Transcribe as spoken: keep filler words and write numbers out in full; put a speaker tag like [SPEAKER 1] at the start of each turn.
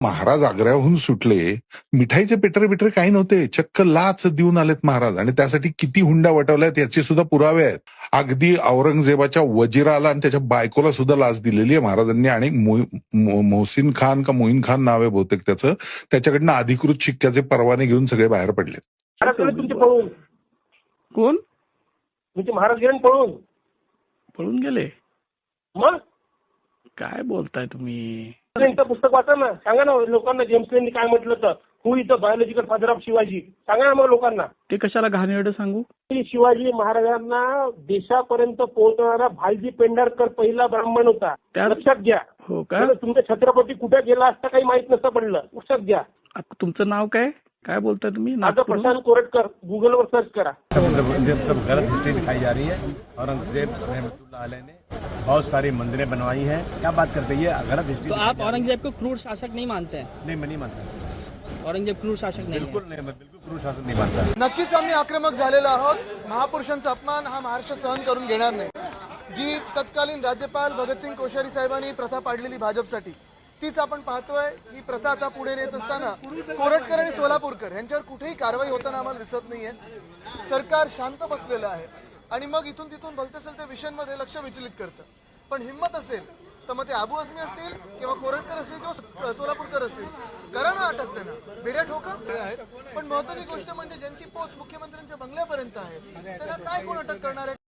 [SPEAKER 1] महाराज आग्र्याहून सुटले, मिठाईचे पेटरे बिटरे काही नव्हते, चक्क लाच देऊन आलेत महाराज आणि त्यासाठी किती हुंडा वटवल्यात याचे सुद्धा पुरावे आहेत. अगदी औरंगजेबाच्या वजिराला आणि त्याच्या बायकोला सुद्धा लाच दिलेली आहे महाराजांनी आणि मोहसिन खान का मोहीन खान नाव आहे बहुतेक त्याचं, त्याच्याकडनं अधिकृत शिक्क्याचे परवाने घेऊन सगळे बाहेर पडले.
[SPEAKER 2] तुमचे पळून
[SPEAKER 3] कोण
[SPEAKER 2] तुमचे महाराज गेले पळून
[SPEAKER 3] पळून गेले?
[SPEAKER 2] मग
[SPEAKER 3] काय बोलताय तुम्ही?
[SPEAKER 2] त्यांचं पुस्तक वाचा ना, सांगा ना लोकांना जेम्स लेननी काय म्हटलं तर who is the biological father of Shivaji, सांगा ना मग लोकांना.
[SPEAKER 3] ते कशाला घाणेरडं सांगू?
[SPEAKER 2] शिवाजी महाराजांना देशापर्यंत पोहोचणारा भालजी पेंढारकर पहिला ब्राह्मण होता, लक्षात घ्या.
[SPEAKER 3] हो का?
[SPEAKER 2] तुमचा छत्रपती कुठे गेला असता काही माहित नसतं पडलं, लक्षात घ्या.
[SPEAKER 3] आता तुमचं नाव काय काय बोलताय तुम्ही?
[SPEAKER 2] माझं प्रशांत कोरटकर, गुगलवर सर्च करा.
[SPEAKER 4] सब गलत हिस्ट्री दिखाई जा रही है. औरंगजेब रहमतुल्लाह अलैह ने बहुत सारी मंदिरें बनवाई हैं. क्या बात करते हैं, ये गलत हिस्ट्री.
[SPEAKER 5] तो आप औरंगजेब को क्रूर शासक नहीं मानते हैं?
[SPEAKER 4] नहीं, मैं नहीं मानता.
[SPEAKER 5] औरंगजेब क्रूर शासक नहीं,
[SPEAKER 4] बिल्कुल नहीं, मैं बिल्कुल क्रूर शासक नहीं मानता.
[SPEAKER 6] नक्कीच आम्ही आक्रमक झालेलो आहोत. महापुरुषांचा अपमान हा महाराष्ट्र सहन करून घेणार नाही. जी तत्कालीन राज्यपाल भगतसिंग कोश्यारी साहेबांनी प्रथा पाडलेली भाजपसाठी, तीच आपण पाहतोय. ही प्रथा आता पुढे नेत असताना कोरटकर आणि सोलापूरकर यांच्यावर कुठेही कारवाई होताना आम्हाला दिसत नाहीये. सरकार शांत बसलेलं आहे आणि मग इथून तिथून भलते सलते विषयांमध्ये लक्ष विचलित करतं. पण हिंमत असेल तर मग ते आबू आझमी असतील किंवा कोरटकर असतील किंवा सोलापूरकर असतील, करा ना अटक, त्यांना बेड्या ठोका आहेत. पण महत्वाची गोष्ट म्हणजे ज्यांची पोच मुख्यमंत्र्यांच्या बंगल्यापर्यंत आहे त्यांना काय कोण अटक करणार आहे?